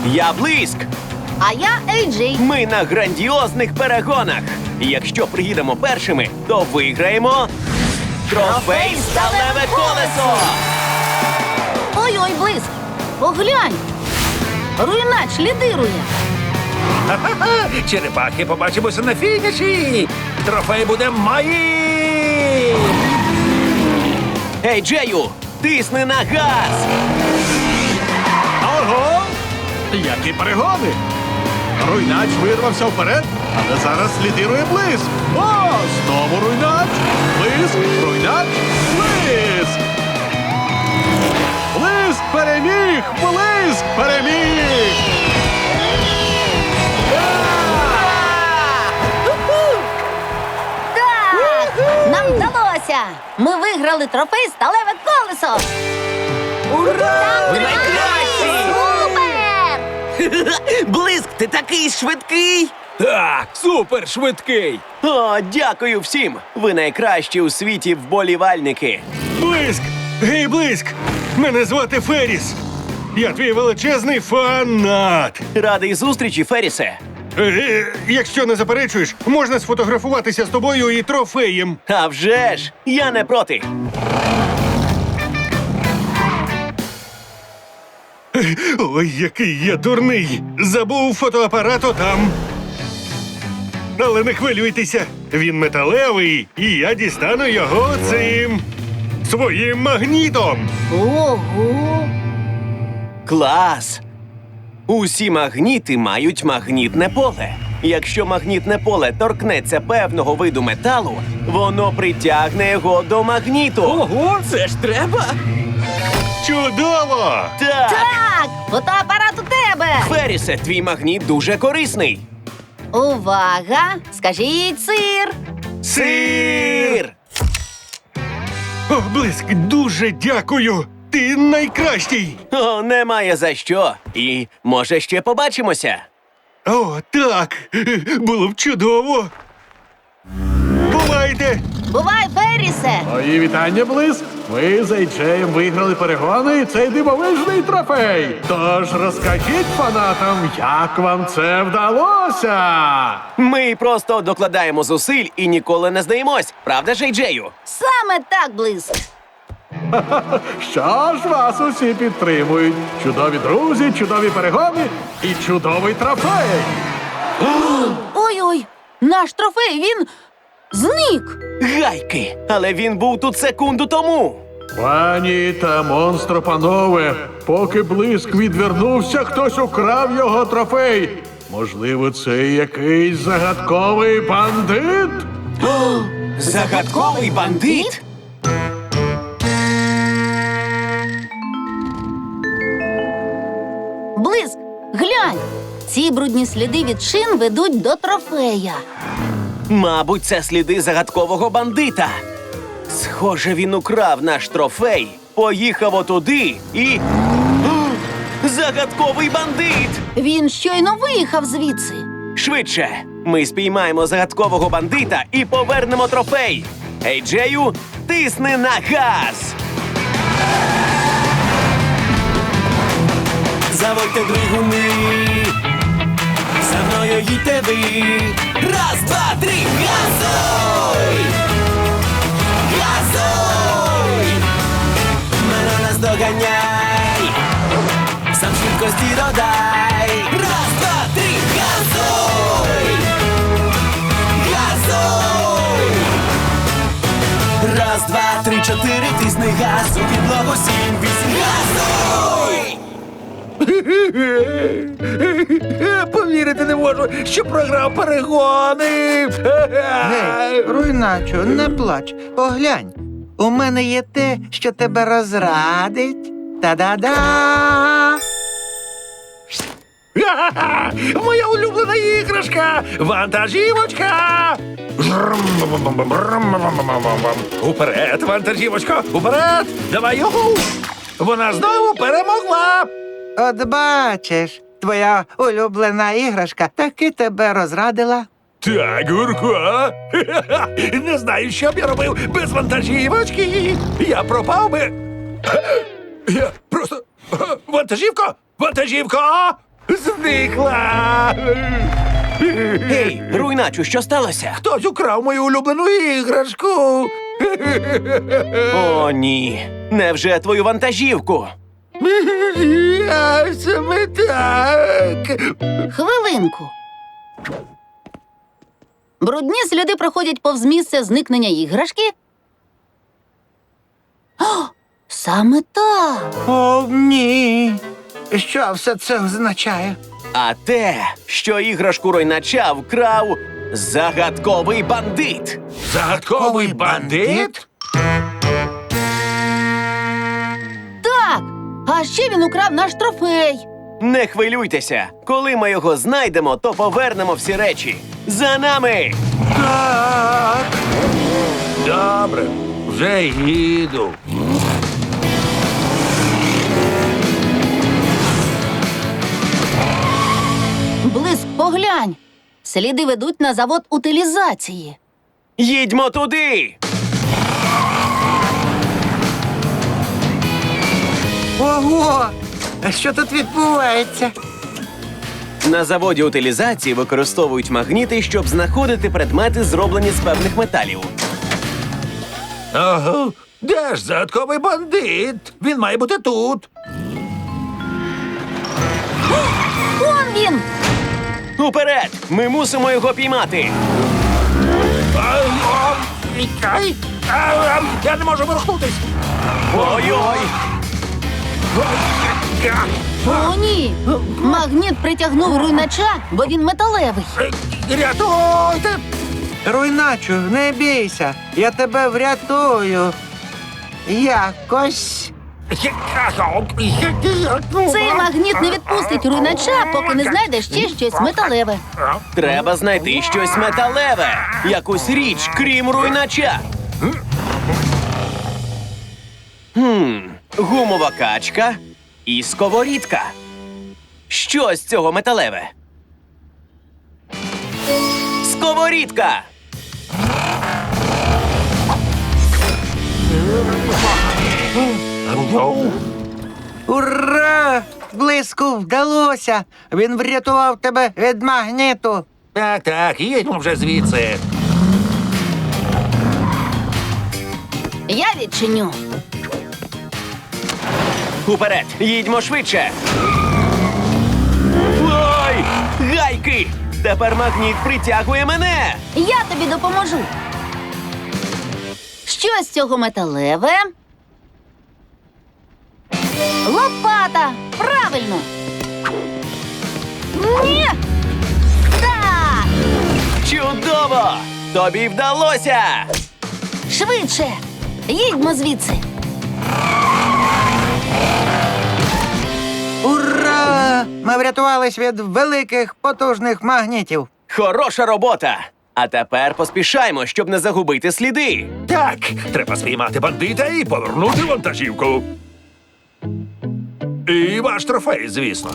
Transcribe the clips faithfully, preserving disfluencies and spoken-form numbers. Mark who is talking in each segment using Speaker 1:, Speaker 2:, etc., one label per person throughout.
Speaker 1: Я Блиск.
Speaker 2: А я Ей Джей.
Speaker 1: Ми на грандіозних перегонах. І якщо приїдемо першими, то виграємо трофей «Сталеве колесо».
Speaker 2: Ой-ой, Блиск, поглянь. Руйнач лідирує.
Speaker 3: Ха-ха-ха! Черепахи, побачимося на фініші! Трофей буде моїм!
Speaker 1: Ей, Джею, тисни на газ!
Speaker 4: Ого! Які перегони! Руйнач вирвався вперед, але зараз лідирує Блиск. О, знову Руйнач! Блиск, Руйнач, Блиск! Блиск переміг! Блиск переміг!
Speaker 2: Так! Нам вдалося! Ми виграли трофей «Сталеве колесо».
Speaker 1: Ура!
Speaker 2: Ви
Speaker 1: найкращі!
Speaker 2: Супер!
Speaker 1: Блиск, ти такий швидкий!
Speaker 3: Так, супер швидкий!
Speaker 1: О, дякую всім! Ви найкращі у світі вболівальники!
Speaker 5: Блиск! Гей, Блиск! Мене звати Ферріс. Я твій величезний фанат.
Speaker 1: Радий зустрічі, Феррісе!
Speaker 5: Е, якщо не заперечуєш, можна сфотографуватися з тобою і трофеєм.
Speaker 1: А вже ж! Я не проти!
Speaker 5: Ой, який я дурний! Забув фотоапарат отам. Але не хвилюйтеся, він металевий, і я дістану його цим своїм магнітом.
Speaker 2: Ого!
Speaker 1: Клас! Усі магніти мають магнітне поле. Якщо магнітне поле торкнеться певного виду металу, воно притягне його до магніту.
Speaker 3: Ого, це ж треба!
Speaker 5: Чудово!
Speaker 1: Так!
Speaker 2: Так! Фотоапарат у тебе!
Speaker 1: Феррісе, твій магніт дуже корисний.
Speaker 2: Увага! Скажіть сир!
Speaker 1: Сир!
Speaker 5: О, Блиск, дуже дякую! Ти найкращий!
Speaker 1: О, немає за що. І, може, ще побачимося.
Speaker 5: О, так! Було б чудово! Бувайте!
Speaker 2: Бувай, Феррісе!
Speaker 4: Мої вітання, Блиск! Ви з Ей Джеєм виграли перегони і цей дивовижний трофей! Тож розкажіть фанатам, як вам це вдалося!
Speaker 1: Ми просто докладаємо зусиль і ніколи не здаємось. Правда ж, Ей Джею?
Speaker 2: Саме так, Блиск!
Speaker 4: Що ж, вас усі підтримують. Чудові друзі, чудові перегони і чудовий трофей!
Speaker 2: Ой-ой! Наш трофей, він зник!
Speaker 1: Гайки! Але він був тут секунду тому.
Speaker 4: Пані та монстропанове, поки Блиск відвернувся, хтось украв його трофей. Можливо, це якийсь загадковий бандит?
Speaker 1: Загадковий бандит?
Speaker 2: Блиск, глянь! Ці брудні сліди від шин ведуть до трофея.
Speaker 1: Мабуть, це сліди загадкового бандита. Схоже, він украв наш трофей, поїхав отуди і... О, загадковий бандит!
Speaker 2: Він щойно виїхав звідси.
Speaker 1: Швидше! Ми спіймаємо загадкового бандита і повернемо трофей! Ей Джею, тисни на газ! Заводьте двигуни, за мною їдьте ви. Раз, два, три, газуй! Газуй! Мене наздоганяй, сам швидкості додай. Раз, два, три, газуй! Газуй! Раз, два, три, чотири, тисни газ, у підлогу сім, вісім, газуй!
Speaker 3: Повірити не можу, що програв перегони!
Speaker 6: Гей, руйначо, не плач. Поглянь. У мене є те, що тебе розрадить. Та-да-да!
Speaker 3: Ха-ха-ха! Моя улюблена іграшка! Вантажівочка! Уперед, вантажівочко! Уперед! Давай його! Вона знову перемогла!
Speaker 6: От бачиш, твоя улюблена іграшка таки тебе розрадила.
Speaker 3: Так, Гурко. Не знаю, що б я робив без вантажівочки. Я пропав би. Я просто... Вантажівко! Вантажівко! Зникла!
Speaker 1: Гей, руйначу, що сталося?
Speaker 3: Хтось украв мою улюблену іграшку!
Speaker 1: О, ні. Невже твою вантажівку?
Speaker 3: Я саме так!
Speaker 2: Хвилинку. Брудні сліди проходять повз місце зникнення іграшки. О, саме так.
Speaker 6: О, ні. Що все це означає?
Speaker 1: А те, що іграшку руйнача вкрав загадковий бандит.
Speaker 3: Загадковий бандит?
Speaker 2: Так. А ще він украв наш трофей.
Speaker 1: Не хвилюйтеся. Коли ми його знайдемо, то повернемо всі речі. За нами!
Speaker 6: Так.
Speaker 3: Добре, вже їду.
Speaker 2: Блиск, поглянь. Сліди ведуть на завод утилізації.
Speaker 1: Їдьмо туди!
Speaker 6: Ого! А що тут відбувається?
Speaker 1: На заводі утилізації використовують магніти, щоб знаходити предмети, зроблені з певних металів.
Speaker 3: Ага. Де ж загадковий бандит? Він має бути тут.
Speaker 2: Он він!
Speaker 1: Уперед! Ми мусимо його піймати!
Speaker 3: А, о, ай, а, а, Я не можу ворухнутись.
Speaker 1: Ой-ой!
Speaker 2: О, ні! Магніт притягнув руйнача, бо він металевий.
Speaker 3: Рятуйте!
Speaker 6: Руйначу, не бійся. Я тебе врятую. Якось.
Speaker 2: Цей магніт не відпустить руйнача, поки не знайде ще щось металеве.
Speaker 1: Треба знайти щось металеве! Якусь річ, крім руйнача! Хм, гумова качка і сковорідка. Що з цього металеве? Сковорідка!
Speaker 6: Ура! Блиску вдалося! Він врятував тебе від магніту.
Speaker 3: Так, так, їдьмо вже звідси.
Speaker 2: Я відчиню.
Speaker 1: Уперед! Їдьмо швидше! Ой! Гайки! Тепер магніт притягує мене!
Speaker 2: Я тобі допоможу. Що з цього металеве? Лопата! Правильно! Ні! Так!
Speaker 1: Чудово! Тобі вдалося!
Speaker 2: Швидше! Їдьмо звідси!
Speaker 6: Ура! Ми врятувались від великих потужних магнітів.
Speaker 1: Хороша робота! А тепер поспішаймо, щоб не загубити сліди.
Speaker 3: Так, треба спіймати бандита і повернути вантажівку. І ваш трофей, звісно.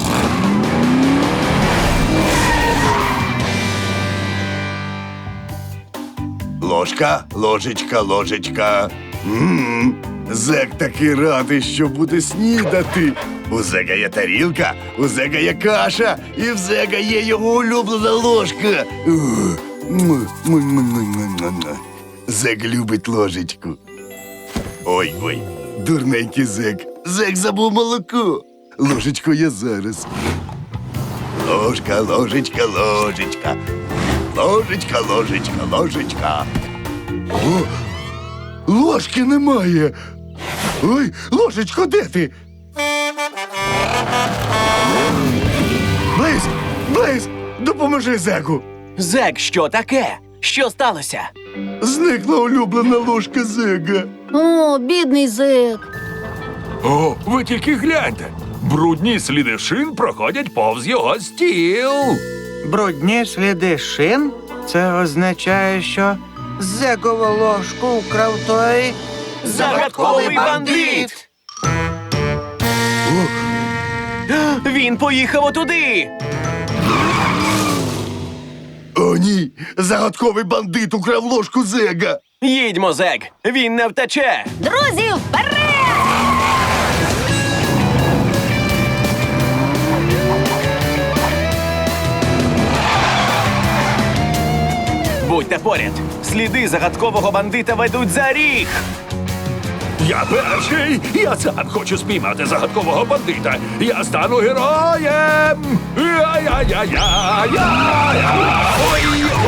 Speaker 7: Ложка, ложечка, ложечка. М-м, Зек такий радий, що буде снідати. У Зега є тарілка, у Зега є каша, і в Зега є його улюблена ложка. Ух, м, м, м, м, м, м. Зек любить ложечку. Ой, ой, дурненький Зек. Зек забув молоко. Ложечко я зараз. Ложка, ложечка, ложечка. Ложечка, ложечка, ложечка. О, ложки немає. Ой, ложечко, де ти? Близ, Близ, допоможи Зеку.
Speaker 1: Зек, що таке? Що сталося?
Speaker 7: Зникла улюблена ложка Зега.
Speaker 2: О, бідний зек.
Speaker 3: О, ви тільки гляньте. Брудні сліди шин проходять повз його стіл.
Speaker 6: Брудні сліди шин? Це означає, що Зекову ложку вкрав той.
Speaker 1: Загадковий бандит! Він поїхав отуди!
Speaker 7: О, ні, загадковий бандит украв ложку Зега.
Speaker 1: Їдьмо, Зек! Він не втече!
Speaker 2: Друзі, вперед!
Speaker 1: Станьте поряд. Сліди загадкового бандита ведуть за ріг.
Speaker 3: Я перший! Я сам хочу спіймати загадкового бандита! Я стану героєм! Я-я-я-я-я-я! Ой!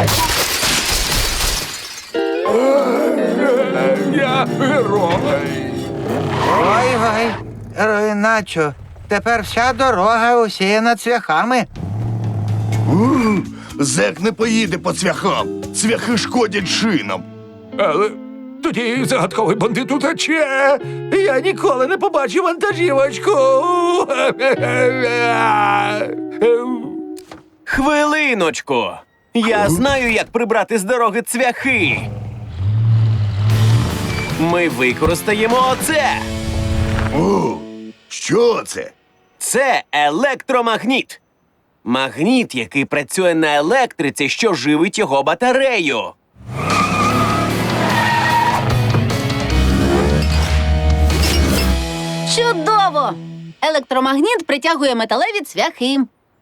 Speaker 3: Я герой!
Speaker 6: Ой-ой, Руйначо, тепер вся дорога усіяна цвяхами.
Speaker 7: У, Зек не поїде по цвяхам. Цвяхи шкодять шинам.
Speaker 3: Але тоді загадковий бандит утече! Я ніколи не побачу вантажівочку!
Speaker 1: Хвилиночку. Я знаю, як прибрати з дороги цвяхи. Ми використаємо оце.
Speaker 7: О, що це?
Speaker 1: Це електромагніт. Магніт, який працює на електриці, що живить його батарею.
Speaker 2: Чудово! Електромагніт притягує металеві цвяхи.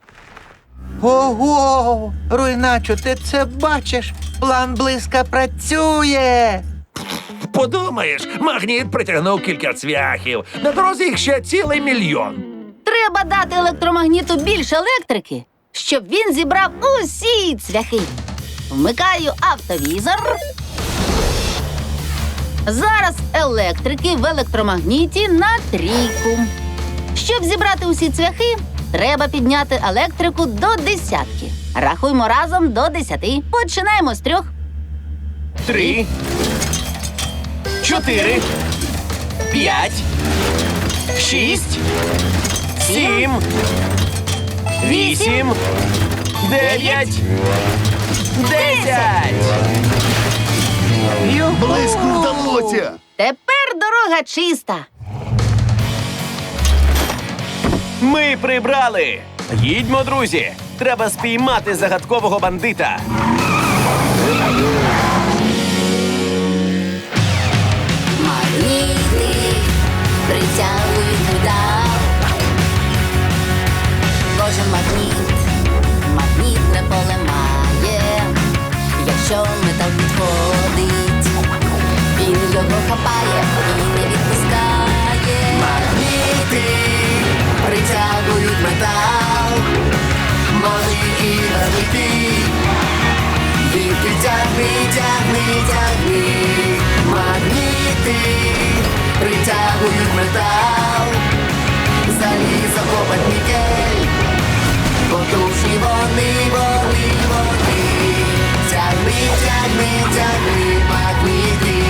Speaker 6: Ого, Руйначо, ти це бачиш? План близька працює.
Speaker 3: Подумаєш, магніт притягнув кілька цвяхів. На дорозі їх ще цілий мільйон.
Speaker 2: Треба дати електромагніту більше електрики, щоб він зібрав усі цвяхи. Вмикаю автовізор. Зараз електрики в електромагніті на трійку. Щоб зібрати усі цвяхи, треба підняти електрику до десятки. Рахуємо разом до десяти. Починаємо з трьох.
Speaker 1: Три, чотири, п'ять, шість, сім, вісім, дев'ять, десять.
Speaker 7: Близько вдалося.
Speaker 2: Тепер дорога чиста.
Speaker 1: Ми прибрали. Їдьмо, друзі. Треба спіймати загадкового бандита.
Speaker 8: Магніти притягують метал. Кожен магніт, магнітне поле має. Якщо метал підходить, він його хапає і не відпускає. Магніти притягують метал. Може і розлити. Віки тягни, тягни, тягни. Магніти притягують метал. Залізо копать нікель. Потужні вони, вони, вони. Тягни, тягни, тягни, магніти.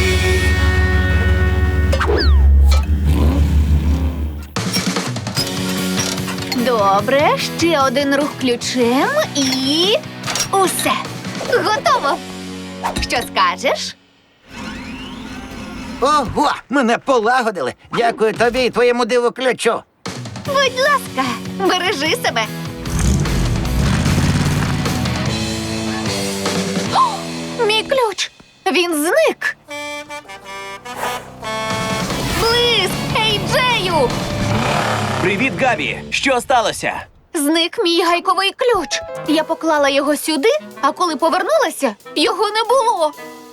Speaker 9: Добре, ще один рух ключем і усе. Готово. Що скажеш?
Speaker 6: Ого, мене полагодили. Дякую тобі і твоєму диву ключу.
Speaker 9: Будь ласка, бережи себе. О, мій ключ. Він зник. Блиск! Ей, Джею!
Speaker 1: Привіт, Габі. Що сталося?
Speaker 9: Зник мій гайковий ключ. Я поклала його сюди, а коли повернулася, його не було.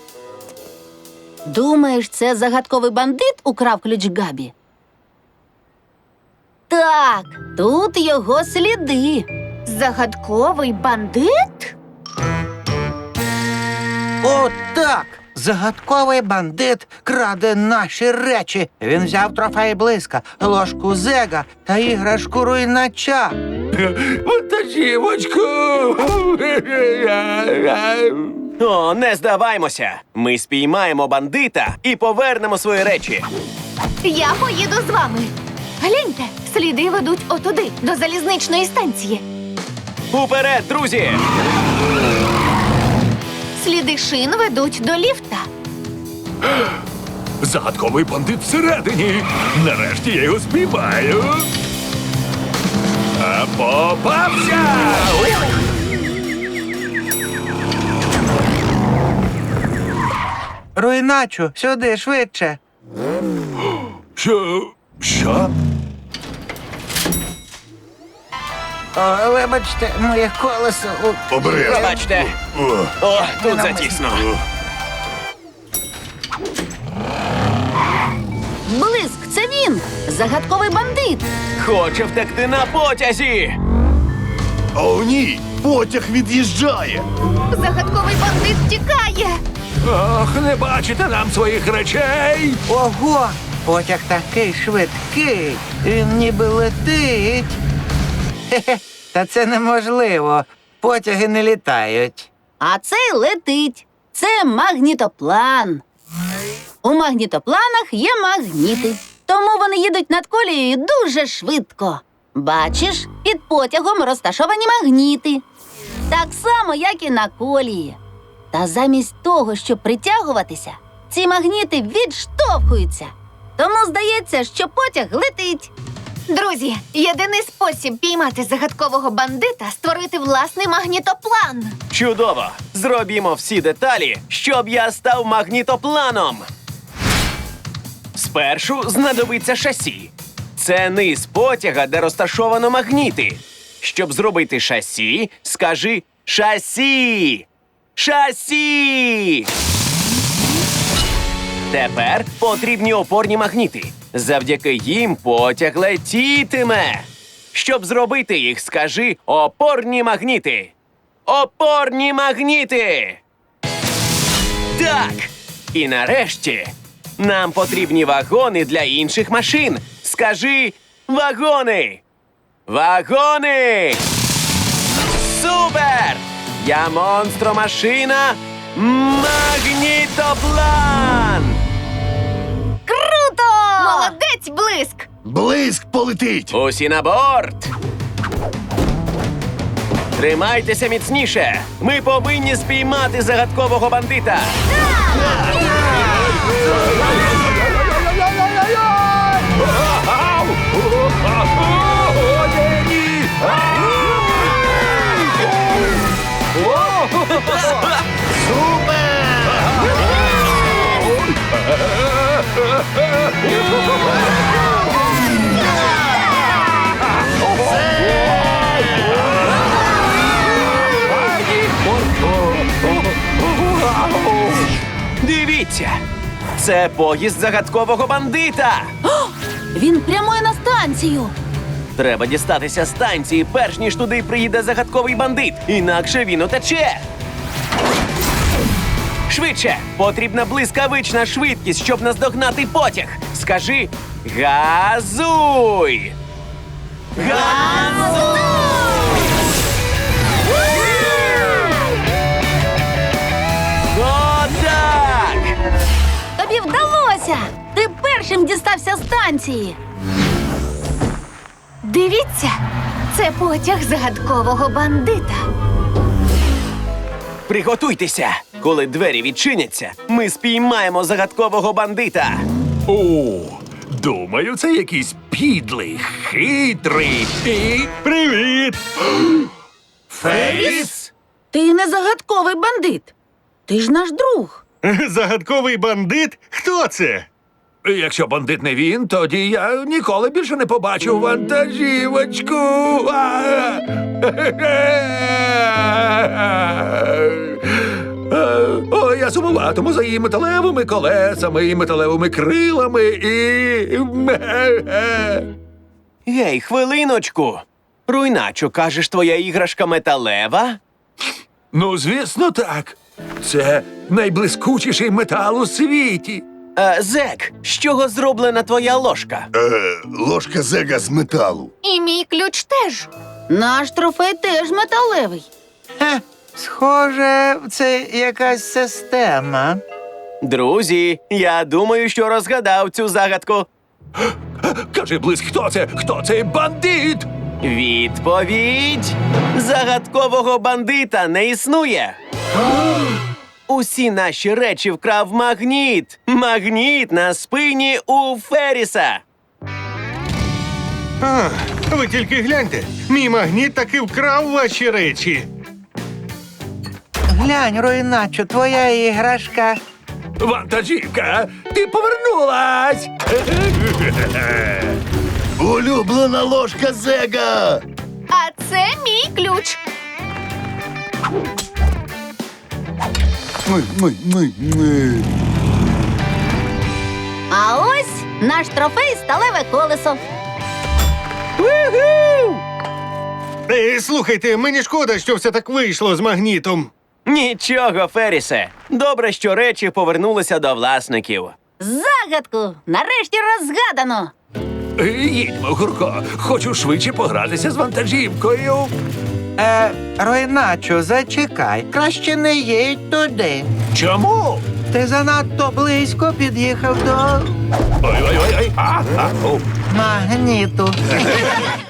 Speaker 2: Думаєш, це загадковий бандит украв ключ Габі? Так, тут його сліди.
Speaker 9: Загадковий бандит?
Speaker 6: О, так! Загадковий бандит краде наші речі. Він взяв трофей близька, ложку Зега та іграшку Руйнача.
Speaker 3: Вантажівочку!
Speaker 1: О, не здаваймося. Ми спіймаємо бандита і повернемо свої речі.
Speaker 9: Я поїду з вами. Гляньте, сліди ведуть отуди, до залізничної станції.
Speaker 1: Уперед, друзі!
Speaker 9: Сліди шин ведуть до ліфта.
Speaker 3: Загадковий бандит всередині. Нарешті я його спіймаю. А попався!
Speaker 6: Руйначу, сюди швидше.
Speaker 3: Що? Що?
Speaker 6: О, вибачте, моє колесо. у-
Speaker 7: Обережно.
Speaker 1: Пробачте.
Speaker 7: О,
Speaker 1: О, тут затісно.
Speaker 2: Блиск, це він! Загадковий бандит!
Speaker 1: Хоче втекти на потязі.
Speaker 7: О, ні! Потяг від'їжджає!
Speaker 9: Загадковий бандит тікає.
Speaker 3: Ох, не бачите нам своїх речей!
Speaker 6: Ого! Потяг такий швидкий, він ніби летить. Хе-хе, та це неможливо. Потяги не літають.
Speaker 2: А цей летить. Це магнітоплан. У магнітопланах є магніти, тому вони їдуть над колією дуже швидко. Бачиш, під потягом розташовані магніти. Так само, як і на колії. Та замість того, щоб притягуватися, ці магніти відштовхуються. Тому здається, що потяг летить.
Speaker 9: Друзі, єдиний спосіб піймати загадкового бандита – створити власний магнітоплан.
Speaker 1: Чудово! Зробімо всі деталі, щоб я став магнітопланом. Спершу знадобиться шасі. Це низ потяга, де розташовано магніти. Щоб зробити шасі, скажи шасі! Шасі! Тепер потрібні опорні магніти. Завдяки їм потяг летітиме. Щоб зробити їх, скажи опорні магніти. Опорні магніти! Так! І нарешті нам потрібні вагони для інших машин. Скажи вагони! Вагони! Супер! Я монстромашина Магнітоплан!
Speaker 2: Круто!
Speaker 9: Молодець, Блиск!
Speaker 7: Блиск полетить!
Speaker 1: Усі на борт! Тримайтеся міцніше! Ми повинні спіймати загадкового бандита! Дивіться! Це поїзд загадкового бандита!
Speaker 2: Він прямує на станцію.
Speaker 1: Треба дістатися станції, перш ніж туди приїде загадковий бандит, інакше він утече. Швидше! Потрібна блискавична швидкість, щоб наздогнати потяг. Скажи газуй! Газуй! Отак!
Speaker 2: Тобі вдалося! Ти першим дістався станції.
Speaker 9: Дивіться, це потяг загадкового бандита.
Speaker 1: Приготуйтеся! Коли двері відчиняться, ми спіймаємо загадкового бандита.
Speaker 3: О, думаю, це якийсь підлий, хитрий і...
Speaker 5: Привіт!
Speaker 1: Феріс?
Speaker 2: Ти не загадковий бандит. Ти ж наш друг.
Speaker 5: Загадковий бандит? Хто це?
Speaker 3: Якщо бандит не він, тоді я ніколи більше не побачу вантажівочку. А! О, я сумуватиму за її металевими колесами і металевими крилами і...
Speaker 1: Гей, хвилиночку. Руйначо, кажеш, твоя іграшка металева?
Speaker 3: Ну, звісно, так. Це найблискучіший метал у світі.
Speaker 1: Е, Зек, з чого зроблена твоя ложка?
Speaker 7: Е, ложка Зега з металу.
Speaker 9: І мій ключ теж.
Speaker 2: Наш трофей теж металевий.
Speaker 6: Хе, схоже, це якась система.
Speaker 1: Друзі, я думаю, що розгадав цю загадку.
Speaker 3: Кажи, Блиск, хто це? Хто цей бандит?
Speaker 1: Відповідь! Загадкового бандита не існує. Усі наші речі вкрав магніт. Магніт на спині у Феріса.
Speaker 5: А, ви тільки гляньте. Мій магніт таки вкрав ваші речі.
Speaker 6: Глянь, Руйначо, твоя іграшка.
Speaker 3: Вантажівка, ти повернулась!
Speaker 7: Улюблена ложка Зега!
Speaker 9: А Це мій ключ.
Speaker 7: Ми, ми, ми, ми.
Speaker 2: А ось наш трофей сталеве колесо.
Speaker 5: Е, слухайте, мені шкода, що все так вийшло з магнітом.
Speaker 1: Нічого, Ферісе. Добре, що речі повернулися до власників.
Speaker 2: Загадку нарешті розгадано.
Speaker 3: Е, Їдьмо, Гурко. Хочу швидше погратися з вантажівкою.
Speaker 6: Е, Ройначо, зачекай. Краще не їдь туди.
Speaker 3: Чому?
Speaker 6: Ти занадто близько під'їхав до
Speaker 3: Ой-ой-ой. А, а, о.
Speaker 6: магніту.